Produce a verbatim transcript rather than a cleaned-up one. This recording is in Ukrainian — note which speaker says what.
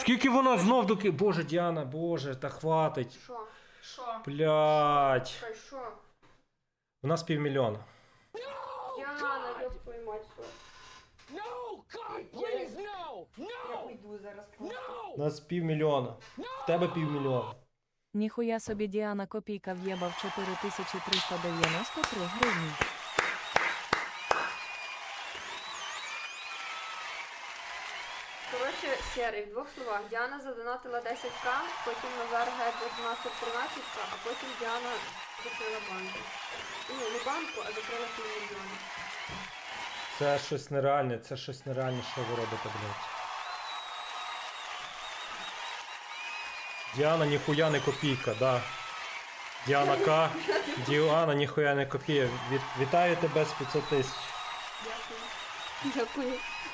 Speaker 1: Скільки вона знов доки... Боже, Діана, боже, та хватить.
Speaker 2: Що? Що?
Speaker 1: Блядь.
Speaker 2: Що? Що?
Speaker 1: У нас півмільйона.
Speaker 2: Діана, ёб твою мать, що?
Speaker 3: No, God, please, no!
Speaker 2: Я
Speaker 3: No!
Speaker 2: уйду зараз.
Speaker 3: No!
Speaker 1: У нас півмільйона. В тебе півмільйона.
Speaker 4: Ніхуя собі Діана Копійка в'єбав чотири тисячі триста дев'яносто три гривні.
Speaker 2: Коротше, Серий, в двох словах. Діана задонатила десять ка, потім Назар Геджет насер тринадцять ка, а потім Діана закрила банку. Ну, не банку, а закрила півмільйона.
Speaker 1: Це щось нереальне, це щось нереальне, що ви робите, блядь. Діана ніхуя не копійка, да. Діана К. Діана ніхуя не копійка. Від... Вітаю тебе з п'ятсот тисяч.
Speaker 2: Дякую. Дякую.